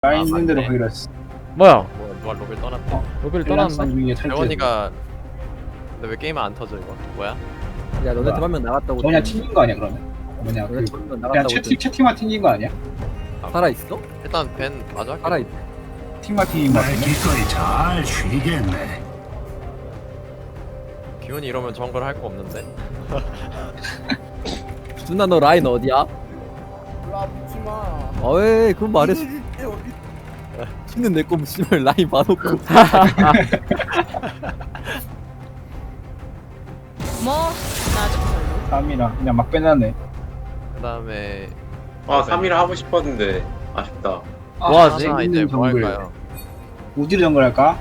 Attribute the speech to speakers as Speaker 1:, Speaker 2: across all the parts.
Speaker 1: 라인 있는 대로
Speaker 2: 맞네.
Speaker 1: 가기로 했어.
Speaker 3: 뭐야?
Speaker 2: 뭐 누가 로비를 떠났대.
Speaker 3: 로비를 떠났는데?
Speaker 1: 위에 탈퇴.
Speaker 2: 재원이가 근데 왜 게임 안 터져 이거? 뭐야?
Speaker 4: 야 너네 팀 한 명 나갔다고.
Speaker 1: 그냥 튕긴 거 아니야 그러면? 뭐냐
Speaker 4: 너네
Speaker 1: 그
Speaker 4: 팀 한 명
Speaker 1: 그냥
Speaker 4: 나갔다고.
Speaker 1: 채팅만 튕긴 거 아니야?
Speaker 4: 살아 있어?
Speaker 2: 일단 벤 마저 할게.
Speaker 4: 살아 있.
Speaker 1: 팀만 튕긴 거
Speaker 5: 날
Speaker 1: 같은데?
Speaker 5: 기꺼이 잘 쉬겠네.
Speaker 2: 기훈이 이러면 정글 할 거 없는데?
Speaker 4: 준아 너 라인 어디야?
Speaker 6: 몰라 묻지마.
Speaker 4: 어이 그건 말해줘. 신는 내 거면 씨발 라인 봐놓고.
Speaker 7: 뭐 나중 걸로.
Speaker 1: 3이랑 그냥 막 빼놨네.
Speaker 2: 그 다음에
Speaker 8: 아 3일 하고 싶었는데 아쉽다.
Speaker 3: 뭐 하지?
Speaker 2: 하나 이제 뭐
Speaker 1: 정글.
Speaker 2: 할까요?
Speaker 1: 어디로 정글 할까?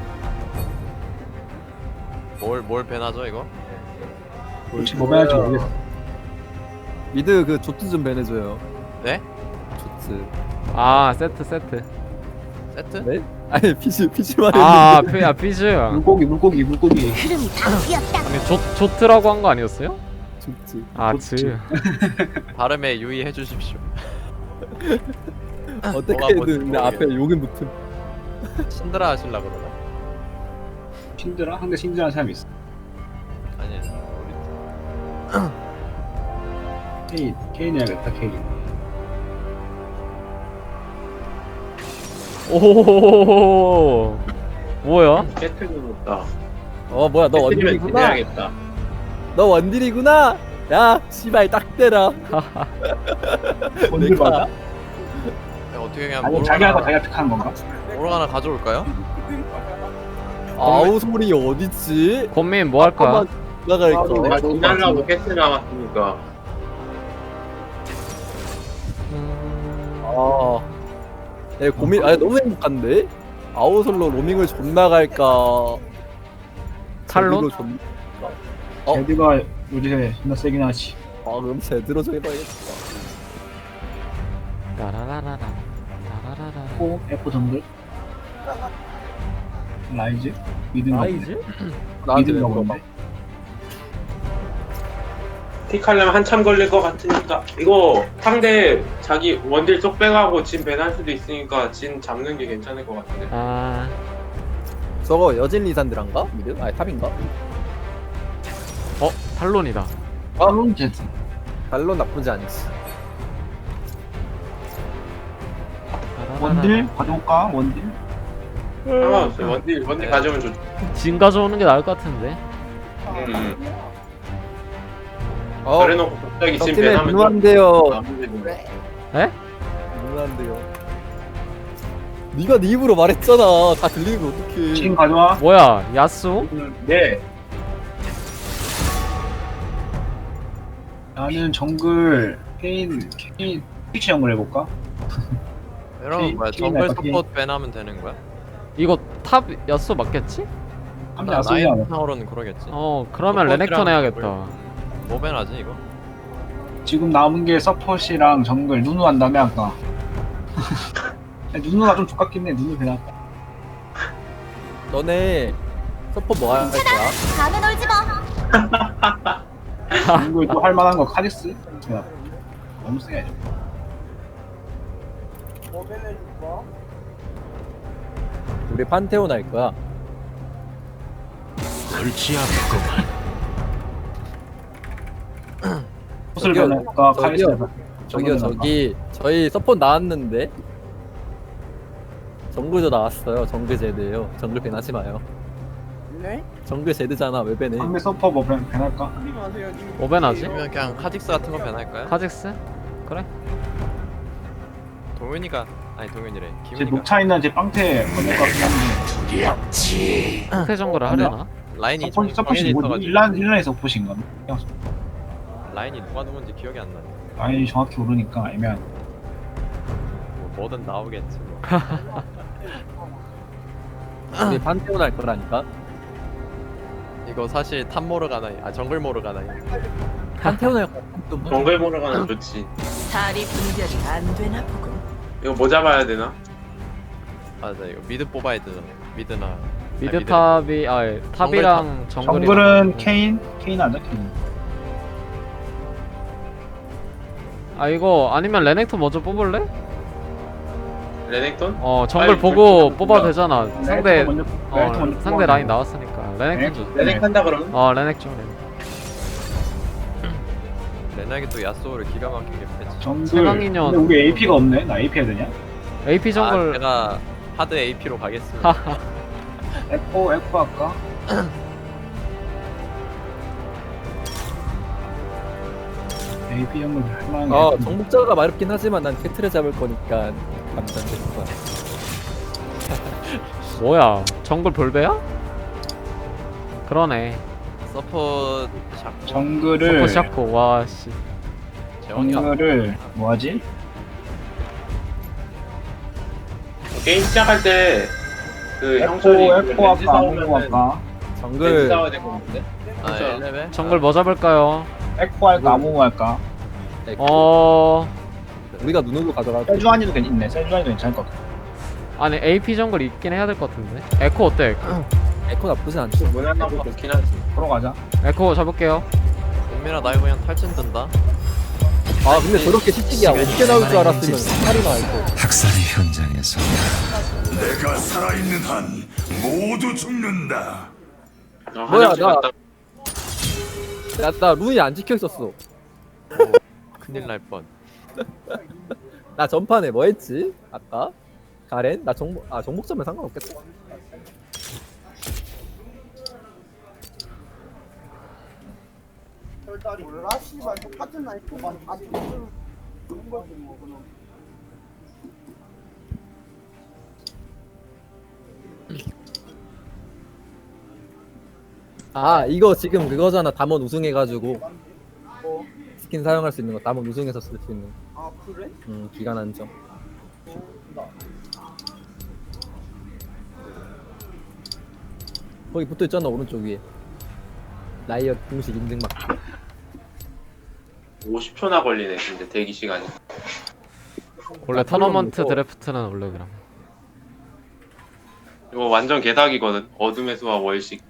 Speaker 2: 뭘 벤하죠 이거?
Speaker 1: 혹시 뭐 해야 할지 모르겠어.
Speaker 4: 미드 그 조트 좀 배내줘요.
Speaker 2: 네?
Speaker 4: 조트.
Speaker 3: 아 세트
Speaker 2: 세트?
Speaker 4: 네? 아니 피지 말해.
Speaker 3: 아 피즈
Speaker 1: 물고기.
Speaker 7: 흐름이 다 휘었다.
Speaker 3: 아니 조트라고 한 거 아니었어요?
Speaker 4: 조트.
Speaker 3: 아
Speaker 1: 조트.
Speaker 3: 즈
Speaker 2: 발음에 유의해 주십시오.
Speaker 4: 어떻게
Speaker 2: 뭐가
Speaker 4: 해야
Speaker 2: 뭔지
Speaker 4: 되는데 앞에
Speaker 2: 모르겠네.
Speaker 4: 욕은 붙음.
Speaker 2: 신드라 하실라 그러나?
Speaker 1: 신드라? 한대 신드라는 사람이 있어.
Speaker 2: 아니 우리
Speaker 1: 케인 해야겠다 케인.
Speaker 3: 오 뭐야?
Speaker 8: 깨트는 없다.
Speaker 4: 어 뭐야 너 원딜이구나.
Speaker 8: 해야겠다.
Speaker 4: 너 원딜이구나. 야 씨발 딱 때라.
Speaker 1: 원딜 맞아?
Speaker 2: 어떻게 그냥
Speaker 1: 아니 자기가 자기가 픽하는 건가?
Speaker 2: 모로 하나 가져올까요?
Speaker 4: 아우 소리 어딨지?
Speaker 3: 권민 뭐 할 거야?
Speaker 4: 한번 나갈까?
Speaker 8: 나 지나려고 깨트 나왔으니까.
Speaker 4: 아, 네, 고민, 아 너무 행복한데? 아웃솔로 로밍을 존나 갈까?
Speaker 3: 탈론?
Speaker 4: 제대로 존- 어?
Speaker 1: 제드가 요즘에 존나 세긴 하지.
Speaker 4: 아 그럼 제대로 정해봐야겠다.
Speaker 3: 라라라라라 라라라라
Speaker 1: F 정글? 라이즈? 미드인가 보네.
Speaker 3: 라이즈?
Speaker 4: 나한테 왜
Speaker 1: 미드인가
Speaker 4: 물어봐?
Speaker 1: 본데?
Speaker 8: 픽하려면 한참 걸릴 것 같으니까 이거 상대 자기 원딜 쪽 빼가고 진 배날 수도 있으니까 진 잡는 게 괜찮을 것 같은데.
Speaker 3: 아
Speaker 4: 저거 여진 리산드란가? 미드? 아니 탑인가?
Speaker 3: 탈론이다.
Speaker 1: 탈론 제드.
Speaker 4: 달로 나쁘지 않지.
Speaker 1: 원딜? 가져올까? 원딜?
Speaker 8: 상관없어요. 원딜 가져오면 좋지.
Speaker 3: 진 가져오는 게 나을 것 같은데.
Speaker 4: 어,
Speaker 8: 그래놓고 갑자기 진
Speaker 4: 덕팀에
Speaker 8: 배나면
Speaker 4: 누누한데요.
Speaker 3: 에?
Speaker 4: 누누한데요. 네가 네 입으로 말했잖아. 다 들리는 거 어떡해.
Speaker 1: 지금 가져와.
Speaker 3: 뭐야 야수?
Speaker 1: 네. 나는 정글 케인 피치 정글 해볼까?
Speaker 2: 여러분 뭐야
Speaker 1: 게임
Speaker 2: 정글
Speaker 1: 할까, 게임?
Speaker 2: 서포트 벤하면 되는 거야?
Speaker 3: 이거 탑 야수 맞겠지?
Speaker 1: 한대 안 쓰지 않아.
Speaker 2: 라인 타워로는 그러겠지.
Speaker 3: 어 그러면
Speaker 2: 서포트랑
Speaker 3: 레넥턴 해야겠다.
Speaker 2: 뭐 벤하지 이거?
Speaker 1: 지금 남은 게 서폿이랑 정글 누누 한 다음에 아까. 누누가 좀 족같긴 해. 누누 그냥.
Speaker 4: 너네 서포 뭐 할 거야?
Speaker 7: 밤에 놀지 마.
Speaker 1: 정글 또 할 만한 거 카디스? 그냥 너무 세게.
Speaker 6: 뭐 배내줄까?
Speaker 4: 우리 판테온 할 거야.
Speaker 5: 골치 아프구만.
Speaker 1: 옷을
Speaker 4: 저기요,
Speaker 1: 변할까?
Speaker 4: 저기요.
Speaker 1: 카디스.
Speaker 4: 저기요 저기 저희 서포 나왔는데 정글도 나왔어요. 정글 제드예요. 정글 배나지 마요.
Speaker 6: 네?
Speaker 4: 정글 제드잖아. 왜 배네?
Speaker 1: 상대 서퍼 뭐 변할까?
Speaker 6: 하지 마세요. 님.
Speaker 3: 뭐 벤하지?
Speaker 2: 아니면 그냥 카직스 같은 거 벤할까요?
Speaker 3: 카직스? 그래?
Speaker 2: 동윤이가 아니 동윤이래.
Speaker 1: 제
Speaker 2: 기훈이가
Speaker 1: 녹차 있는 제 빵태 건널 것 같긴 한데.
Speaker 5: 두렵지.
Speaker 3: 태 정글을 하려나?
Speaker 2: 라인이
Speaker 1: 서폿이
Speaker 2: 정해져
Speaker 1: 뭐지?
Speaker 2: 있어가지고
Speaker 1: 일란에서 서폿인가?
Speaker 2: 라인이 누가 누군지 기억이 안 나네.
Speaker 1: 아니 정확히 모르니까 애매한.
Speaker 2: 뭐 뭐든 나오겠지. 뭐.
Speaker 4: 우리 판테온 할 거라니까.
Speaker 2: 이거 사실 탑 모르 가나이 아 정글 모르 가나이.
Speaker 4: 판테온 할 거야.
Speaker 8: 정글 보러 가면 좋지.
Speaker 7: 다리 분별이 안 되나 보군.
Speaker 8: 이거 뭐 잡아야 되나?
Speaker 2: 맞아 이거 미드 뽑아야 되잖아. 미드나
Speaker 3: 미드 탑이 탑이랑 정글이
Speaker 1: 정글은 케인 하자 케인.
Speaker 3: 아 이거 아니면 레넥톤 먼저 뽑을래?
Speaker 8: 레넥톤?
Speaker 3: 정글
Speaker 8: 빨리
Speaker 3: 보고
Speaker 8: 결정
Speaker 3: 뽑아도
Speaker 8: 좀
Speaker 3: 되잖아. 상대
Speaker 1: 레넥톤 먼저
Speaker 3: 상대
Speaker 1: 뽑아.
Speaker 3: 라인 나왔으니까 레넥 좀 줘.
Speaker 8: 레넥 한다 그러면?
Speaker 3: 레넥 좀
Speaker 2: 레넥이 또 야쏘를 기가 막히게 패치.
Speaker 1: 정글.
Speaker 3: 최강인연.
Speaker 1: 근데 우리 AP가 없네. 나 AP 해야 되냐?
Speaker 3: AP 정글
Speaker 2: 제가 하드 AP로 가겠습니다.
Speaker 1: 에코 할까? AP 정글 할만한 게.
Speaker 4: 정복자가 마렵긴 하지만 난 캐트를 잡을 거니까 감탄될 거야.
Speaker 3: 뭐야? 정글 볼배야? 그러네.
Speaker 2: 서포 샤코
Speaker 1: 정글을
Speaker 3: 샤코 와 씨.
Speaker 2: 재원이
Speaker 1: 정글을 뭐하지?
Speaker 8: 게임 시작할 때 그
Speaker 1: 에코
Speaker 8: 형철이
Speaker 1: 에코 할까? 아무거 할까?
Speaker 8: 렌즈
Speaker 4: 정글
Speaker 8: 싸워야 될 것 같은데?
Speaker 2: 아 1레벨?
Speaker 3: 정글 뭐 잡을까요?
Speaker 1: 에코 할까? 아무거 할까?
Speaker 4: 우리가 눈으로 가져가.
Speaker 1: 세주안이도 괜찮네. 세주안이도 괜찮을 것 같아.
Speaker 3: 아니 AP 정글 있긴 해야 될 것 같은데. 에코 어때?
Speaker 4: 에코 나쁘진 않죠.
Speaker 8: 무난한 거 좋긴 하지.
Speaker 1: 들어가자.
Speaker 3: 에코 잡을게요.
Speaker 2: 은민아 나 이거 그냥 탈진 든다.
Speaker 4: 근데 저렇게 시식이야. 어떻게 나올 줄 알았으면 팔이 나와 있고.
Speaker 5: 학살의 현장에서 내가 살아있는 한 모두 죽는다.
Speaker 4: 뭐야,
Speaker 8: 화장실
Speaker 4: 나-
Speaker 8: 갔다
Speaker 4: 나 룬이 안 찍혀 있었어.
Speaker 2: 큰일 날 뻔.
Speaker 4: 나 전판에 뭐 했지? 아까 가렌? 나 정복자면 상관없겠다.
Speaker 6: 별다리 몰라 씨발 똑같은 나이프만 다 좋은 거지 뭐 그럼.
Speaker 4: 이거 지금 그거잖아. 담원 우승해가지고
Speaker 6: 뭐?
Speaker 4: 스킨 사용할 수 있는 거. 담원 우승해서 쓸 수 있는 거.
Speaker 6: 아 그래?
Speaker 4: 기간 한정. 거기 붙어있잖아 오른쪽 위에. 라이엇 공식 인증 막.
Speaker 8: 50초나 걸리네 근데 대기 시간이.
Speaker 3: 원래 토너먼트 드래프트는 원래 그럼.
Speaker 8: 이거 완전 개닭이거든. 어둠의 수와 월식.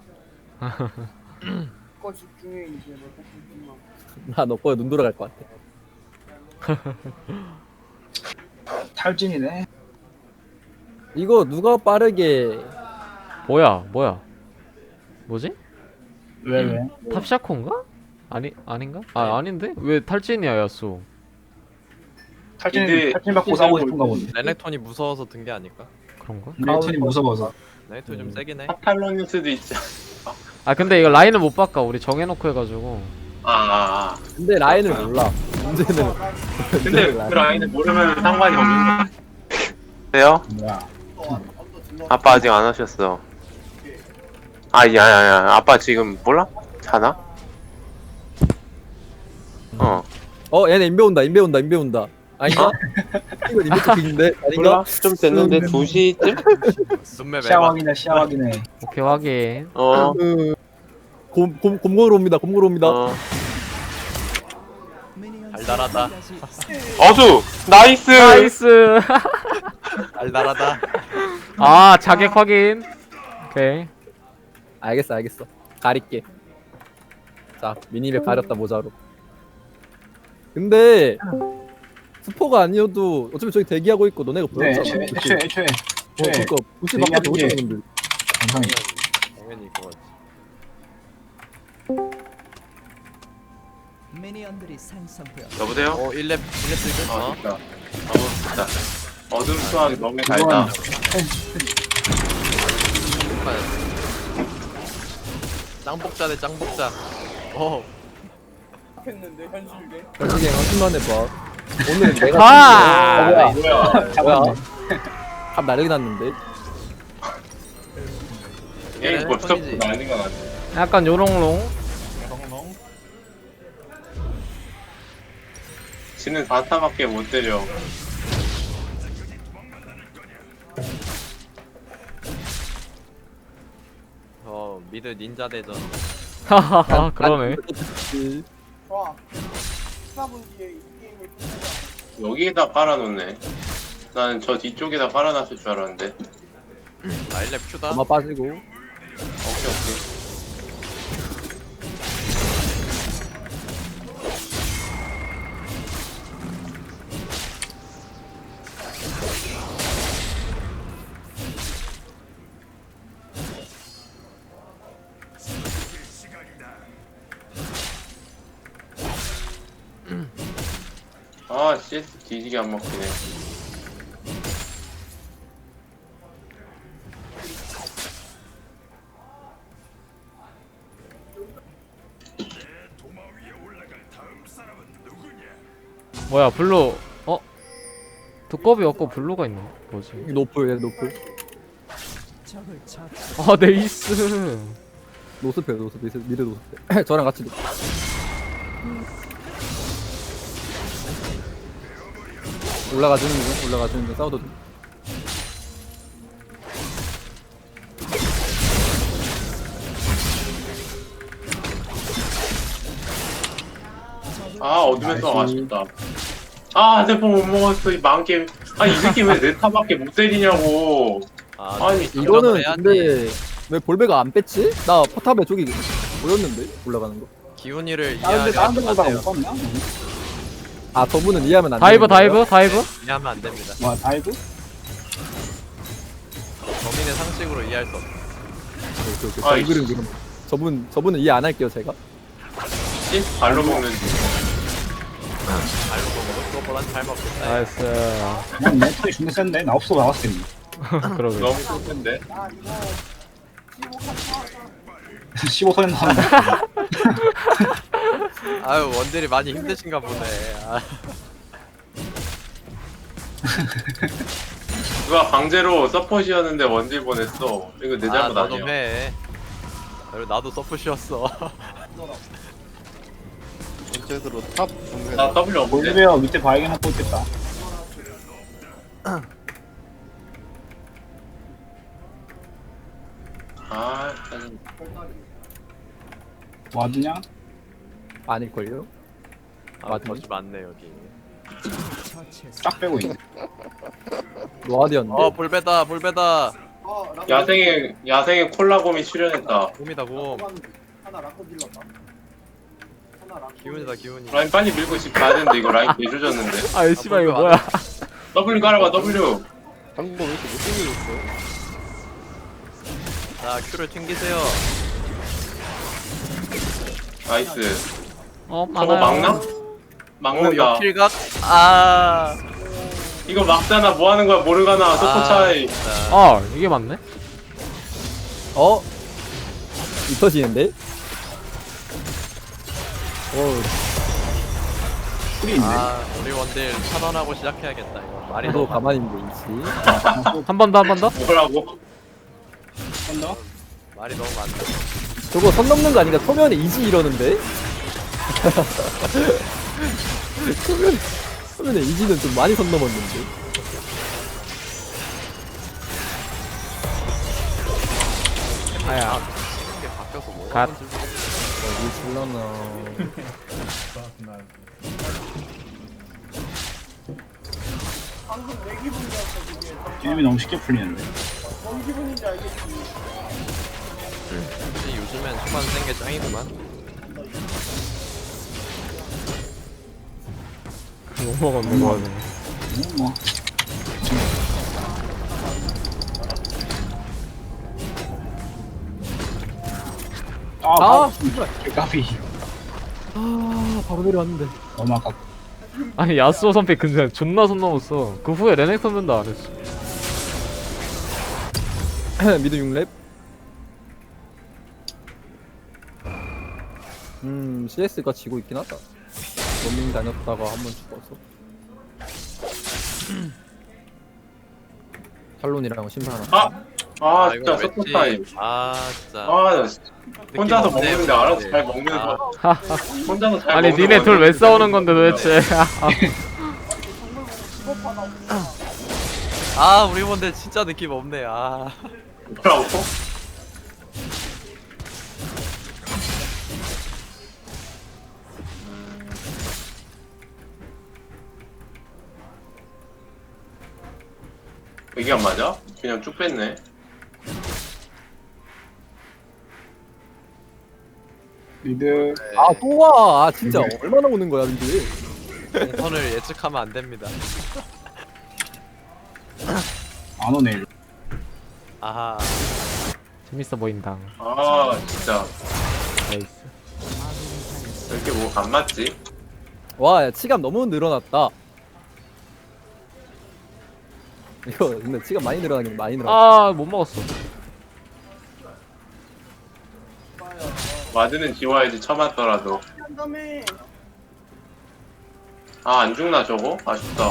Speaker 6: 그거 집중해 이제 뭐 조금만.
Speaker 4: 나너 거에 눈 돌아갈 것 같아.
Speaker 1: 탈진이네.
Speaker 4: 이거 누가 빠르게
Speaker 3: 뭐야? 뭐지?
Speaker 1: 왜?
Speaker 3: 탑샤코인가? 아닌가? 아닌데? 왜 탈진이야 야수?
Speaker 8: 근데
Speaker 1: 탈진 받고 싸우고 싶은가 보네.
Speaker 2: 레넥톤이 무서워서 든 게 아닐까?
Speaker 3: 그런가?
Speaker 1: 레이튼이 무서워서.
Speaker 2: 레넥톤 좀 세긴 해.
Speaker 8: 파탈론일 수도 있지.
Speaker 3: 근데 이거 라인을 못 바꿔. 우리 정해놓고 해가지고.
Speaker 4: 근데 라인을 몰라. 문제는
Speaker 8: 근데 그 라인을 모르면 상관이 없는 거야. 돼요?
Speaker 1: 뭐야?
Speaker 8: 아빠 아직 안 오셨어. 야야야. 아빠 지금 몰라? 자나?
Speaker 4: 얘네 인베 온다. 아닌가? 이거 인베 토픽인데 아닌가?
Speaker 8: 몰라? 좀 됐는데 2시쯤?
Speaker 2: 눈매
Speaker 1: 시야
Speaker 2: 매봐.
Speaker 1: 확인해. 시야 확인해.
Speaker 3: 오케이 확인.
Speaker 4: 곰고로 옵니다.
Speaker 2: 달달하다.
Speaker 8: 어수! 나이스!
Speaker 3: 나이스.
Speaker 2: 달달하다.
Speaker 3: 자객 확인. 오케이.
Speaker 4: 알겠어. 가릴게. 자, 미니맵 가렸다 모자로. 근데 스포가 아니어도 어차피 저기 대기하고 있고 너네가
Speaker 1: 네,
Speaker 4: 보였잖아.
Speaker 1: 애초에.
Speaker 4: 그니까 부시 바깥에
Speaker 1: 대기하는 게-
Speaker 4: 오셨는 분들.
Speaker 1: 정상이.
Speaker 2: 당연히 그거지.
Speaker 9: 미니언들이 생성되어
Speaker 8: 여보세요?
Speaker 2: 1렙 지금?
Speaker 8: 됐다. 됐다. 어둠 수학이 너무 달다.
Speaker 2: 짱복자 대 짱복자.
Speaker 6: 했는데 현실계.
Speaker 4: 솔직히 한숨만 해봐. 오늘 내가 뭐야? 갑 나르게 났는데.
Speaker 8: 게임 벌써부터 난리가 나네.
Speaker 3: 약간 요롱롱.
Speaker 8: 지는 4타밖에 못 때려.
Speaker 2: 미드 닌자 대전.
Speaker 3: 하하하 그러네.
Speaker 6: 좋아. 14분 뒤에 이 게임을
Speaker 8: 여기에다 깔아놓네. 나는 저 뒤쪽에다 깔아놨을 줄 알았는데.
Speaker 2: 1렙 큐다.
Speaker 4: 아마 빠지고.
Speaker 8: 오케이. 아 CS 뒤지게 안 먹히네.
Speaker 5: 도마 위에 올라갈 다음 사람은 누구냐?
Speaker 3: 뭐야 블루 두꺼비 없고 블루가 있네. 뭐지?
Speaker 4: 노플, 얘 노플.
Speaker 9: 적을 처치.
Speaker 3: 아 네이스.
Speaker 4: 노스페, 노스페, 미드 노스페. 저랑 같이 노. 올라가주는 중, 올라가주는 중. 싸워도 돼.
Speaker 8: 아 어둠에서 아쉽다. 아 대포 못 먹었어 이 망게임. 아 이 새끼 왜 내 타밖에 못 때리냐고. 아니
Speaker 4: 이거는
Speaker 2: 해야지.
Speaker 4: 근데 왜 볼베가 안 뺐지? 나 포탑에 저기 보였는데 올라가는 거.
Speaker 2: 기훈이를
Speaker 1: 다른데
Speaker 2: 이해하면
Speaker 1: 다른
Speaker 2: 안
Speaker 1: 데보다
Speaker 2: 돼요.
Speaker 1: 못 봤나?
Speaker 4: 아 저분은 이해하면 안 돼.
Speaker 3: 다이브 다이브 다이브.
Speaker 2: 이해하면 안 됩니다.
Speaker 1: 와 다이브?
Speaker 2: 범인의 상식으로 이해할 수 없어.
Speaker 8: 아이씨.
Speaker 4: 정글은 그럼 저분은 이해 안 할게요 제가.
Speaker 8: 씨 발로 먹는지.
Speaker 2: 알고 보면 그거보단 잘 먹겠다.
Speaker 3: 나이스.
Speaker 1: 그냥 내 털이 존나 센데? 나 없어도 나갔을 텐데.
Speaker 3: 그러게.
Speaker 8: 너무 쏠텐데.
Speaker 6: 야 이거
Speaker 1: 15선에 나온다.
Speaker 2: 아유 원딜이 많이 힘드신가 보네. 아,
Speaker 8: 누가 강제로 서폿이었는데 원딜 보냈어. 이거 내 잘못
Speaker 2: 나도
Speaker 8: 아니야.
Speaker 2: 해. 그리고 나도 서폿이었어.
Speaker 8: 나 W 없는데.
Speaker 1: 볼베어 밑에 바위게 먹고 있겠다.
Speaker 8: 아 짜증.
Speaker 1: 와드냐?
Speaker 4: 아닐걸요?
Speaker 2: 아,
Speaker 4: 맞네.
Speaker 2: 거지 많네 여기.
Speaker 9: 처치했습니다.
Speaker 1: 딱 빼고 있네.
Speaker 4: 노아디언데.
Speaker 2: 볼베다 볼베다.
Speaker 8: 야생의 콜라곰이 출연했다.
Speaker 2: 곰이다 곰.
Speaker 6: 하나 라커 질렀다. 하나 라커.
Speaker 2: 기훈이다 기훈이.
Speaker 8: 라인 빨리 밀고 집 가야 되는데 이거 라인 개조졌는데.
Speaker 3: 아 씨발 이거 뭐야?
Speaker 8: W 깔아봐 W.
Speaker 2: 자 큐를 튕기세요.
Speaker 8: 나이스. 저거
Speaker 3: 많아요.
Speaker 8: 막나? 막는다.
Speaker 2: 역킬각. 아.
Speaker 8: 이거 막잖아. 뭐 하는 거야 모르가나. 소포 차이.
Speaker 2: 진짜.
Speaker 3: 아 이게 맞네?
Speaker 4: 어? 이터지는데?
Speaker 1: 풀이 있네.
Speaker 2: 아 우리 원딜 차단하고 시작해야겠다 이거. 말이
Speaker 4: 저도
Speaker 2: 너무
Speaker 4: 가만히 있는데 있지.
Speaker 3: 한 번 더 한 번 더?
Speaker 8: 뭐라고?
Speaker 1: 한 더?
Speaker 2: 말이 너무 많네.
Speaker 4: 저거 선 넘는 거 아닌가? 초면에 이지 이러는데? 초면에 이지는 좀 많이 선 넘었는데.
Speaker 3: 아야.
Speaker 2: 이게 바뀌어서 뭐가
Speaker 3: 갓.
Speaker 2: 뭔지 모르겠어.
Speaker 4: 어디 질러나.
Speaker 6: 방금 내 기분이었어 그게.
Speaker 1: 게임이 너무 쉽게 풀리는데.
Speaker 6: 뭔 기분인지 알겠지.
Speaker 2: 혹시 요즘엔 초반 센게 짱이구만.
Speaker 3: 못 먹었네 뭐 하네.
Speaker 1: 뭐.
Speaker 4: 아,
Speaker 1: 까비.
Speaker 4: 아, 바로 내려왔는데.
Speaker 1: 너무 아깝다.
Speaker 3: 아니 야스오 선배 근데 존나 손 넘었어. 그 후에 레넥 선배도 안 했어.
Speaker 4: 미드 6렙. CS가 지고 있긴 하다. 로밍 다녔다가 한 번 죽었어. 탈론이랑 심판 하나.
Speaker 8: 아
Speaker 2: 이거
Speaker 8: 진짜 소포
Speaker 2: 왠지-
Speaker 8: 차이.
Speaker 2: 아 진짜.
Speaker 8: 나 진짜 혼자서
Speaker 2: 없네,
Speaker 8: 먹는데 알아서
Speaker 2: 왠지.
Speaker 8: 잘 먹는 거. 혼자서 잘
Speaker 3: 아니
Speaker 8: 먹는
Speaker 3: 니네 둘 왜
Speaker 8: 원딜
Speaker 3: 싸우는 건데 도대체?
Speaker 2: 아 우리 원딜 진짜 느낌 없네. 아.
Speaker 8: 뭐라고? 이게 안 맞아? 그냥 쭉 뺐네.
Speaker 1: 미드.
Speaker 4: 아, 또 와. 아, 진짜 얼마나 오는 거야, 미드.
Speaker 2: 동선을 예측하면 안 됩니다.
Speaker 1: 안 오네. 일로.
Speaker 2: 아하.
Speaker 3: 재밌어 보인다.
Speaker 8: 아 진짜
Speaker 3: 나이스.
Speaker 8: 왜 이렇게 뭐가 안 맞지?
Speaker 4: 와, 야, 치감 너무 늘어났다. 이거 근데 치가 많이 늘어나긴 많이 늘어나.
Speaker 3: 아 못 먹었어.
Speaker 8: 와드는 지워야지 쳐맞더라도.
Speaker 6: 한 다음에
Speaker 8: 아 안 죽나 저거? 아쉽다.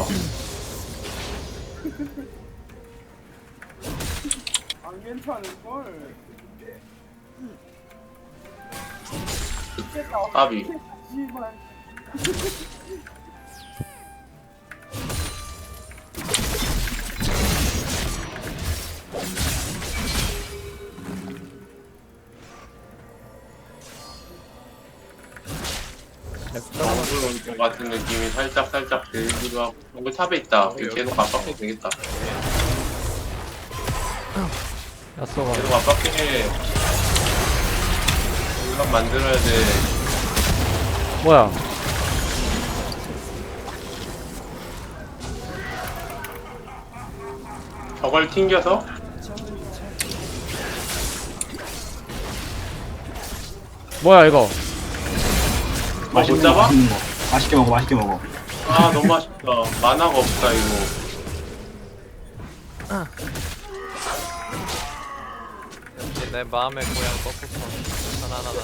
Speaker 6: 안 괜찮을걸.
Speaker 8: 까비.
Speaker 6: 씨발.
Speaker 8: 정글 온것 같은 느낌이 살짝 들기도 하고. 정글 탑에 있다. 계속 압박해도 되겠다.
Speaker 3: 야쏘가.
Speaker 8: 계속 압박해. 이건 만들어야 돼.
Speaker 3: 뭐야?
Speaker 8: 저걸 튕겨서
Speaker 3: 뭐야 이거?
Speaker 1: 맛있는
Speaker 8: 못
Speaker 1: 거,
Speaker 8: 잡아?
Speaker 1: 맛있는 거. 맛있게 먹어, 맛있게 먹어.
Speaker 8: 아 너무 아쉽다. 만화가 없다 이거.
Speaker 2: 역시 내 마음의 고향 꺾었어. 하나하나.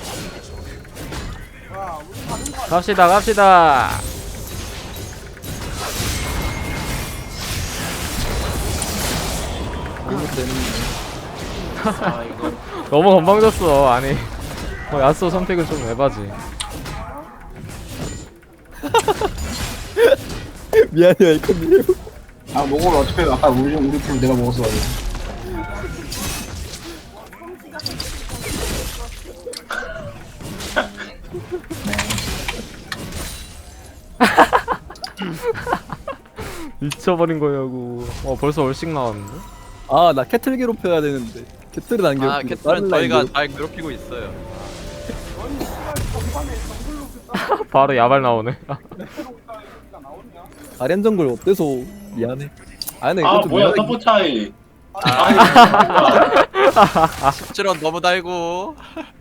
Speaker 6: 와, 우리 가는 거 아니야?
Speaker 3: 갑시다.
Speaker 8: 아 이거
Speaker 3: 너무 건방졌어. 아니. 야쏘 선택은 좀 에바지.
Speaker 4: 미안해요 이코님.
Speaker 1: 아, 먹으면 어차피 아까 우리 풀 내가 먹었어.
Speaker 3: 미쳐버린 거냐고. 벌써 얼씩 나왔는데?
Speaker 4: 아 나 캐틀 괴롭혀야 되는데 캐틀은 안 괴롭히고
Speaker 2: 아 캐틀은 저희가 잘 괴롭히고 있어요.
Speaker 6: 아니, 씨발, 전반에 정글로 그
Speaker 3: 바로 야발 나오네.
Speaker 6: 따로 있다가 얘기가 나오냐?
Speaker 4: 아렌 정글 어때서 미안해. 아 근데
Speaker 8: 아
Speaker 4: 이것도
Speaker 8: 뭐야
Speaker 4: 미안해.
Speaker 8: 서포 차이. 아니 진짜.
Speaker 2: 17원 너무 달고.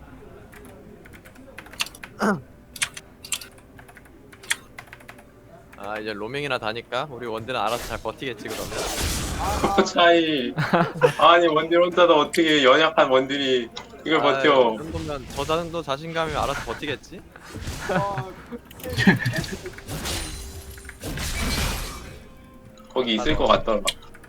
Speaker 2: 아 이제 로밍이나 다니까 우리 원딜은 알아서 잘 버티겠지 그러면.
Speaker 8: 서포 차이. 아니 원딜 혼자도 어떻게 연약한 원딜이 이걸 버텨.
Speaker 2: 이 정도면 저 정도 자신감이 알아서 버티겠지?
Speaker 8: 거기 있을 것 같더라.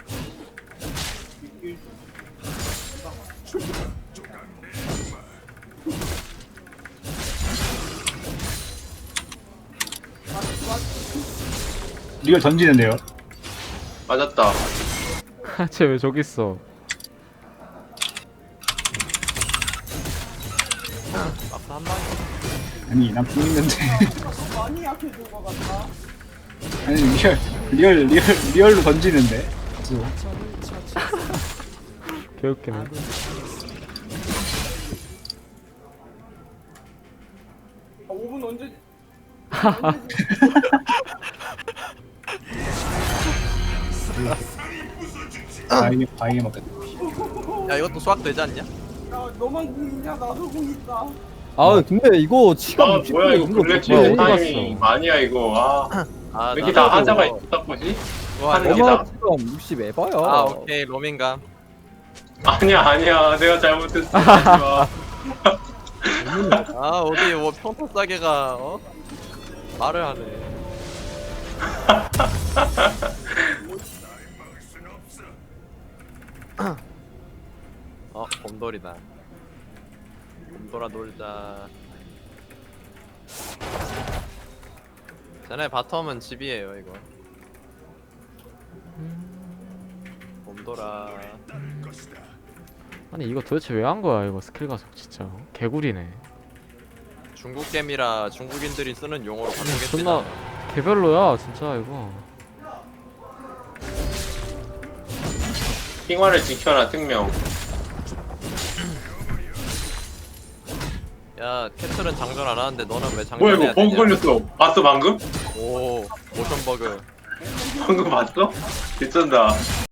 Speaker 1: 리얼 던지는데요.
Speaker 8: 맞았다.
Speaker 3: 쟤 왜 저기 있어?
Speaker 2: 막상 한 방에.
Speaker 1: 아니, 난 붕 있는데.
Speaker 6: 많이 약해진 것 같다.
Speaker 1: 아니, 리얼로 던지는데.
Speaker 9: 적을 처치했습니다.
Speaker 3: 개웃기네.
Speaker 6: 아, 5분 언제?
Speaker 1: 바이게 먹겠다.
Speaker 2: 야 이것도 수학 되지 않냐?
Speaker 6: 야, 너만 공 있냐? 나도 공 있다.
Speaker 4: 아 근데 이거 치가
Speaker 8: 아
Speaker 4: 60
Speaker 8: 뭐야 이거
Speaker 4: 넘는 거
Speaker 8: 블랙
Speaker 4: 뭐야,
Speaker 8: 쉐
Speaker 4: 어디 갔어?
Speaker 8: 타이밍 아니야 이거. 아
Speaker 2: 아
Speaker 8: 왜 이렇게 다
Speaker 2: 나도
Speaker 8: 하자가
Speaker 2: 이거-
Speaker 8: 있다 보지?
Speaker 2: 와,
Speaker 8: 하는 게
Speaker 2: 이거-
Speaker 8: 다.
Speaker 4: 엄마 치가 60 에바야.
Speaker 2: 아 오케이 로밍감.
Speaker 8: 아니야 내가 잘못했어. 하지 마.
Speaker 2: 아 어디 뭐 평타 싸게가 말을 하네. 곰돌이다. 곰돌아 놀자. 쟤네 바텀은 집이에요 이거. 곰돌아.
Speaker 3: 아니 이거 도대체 왜 한 거야 이거 스킬 가속 진짜 개구리네.
Speaker 2: 중국 게임이라 중국인들이 쓰는 용어로 바꾸겠지.
Speaker 3: 존나 개별로야 진짜 이거.
Speaker 8: 핑화를 지켜라 특명.
Speaker 2: 야 캐틀은 장전 안 하는데 너는 왜
Speaker 8: 뭐야
Speaker 2: 장전해야
Speaker 8: 이거 버그
Speaker 2: 되냐?
Speaker 8: 걸렸어. 봤어 방금?
Speaker 2: 오 모션 버그.
Speaker 8: 방금 봤어? 미쳤다.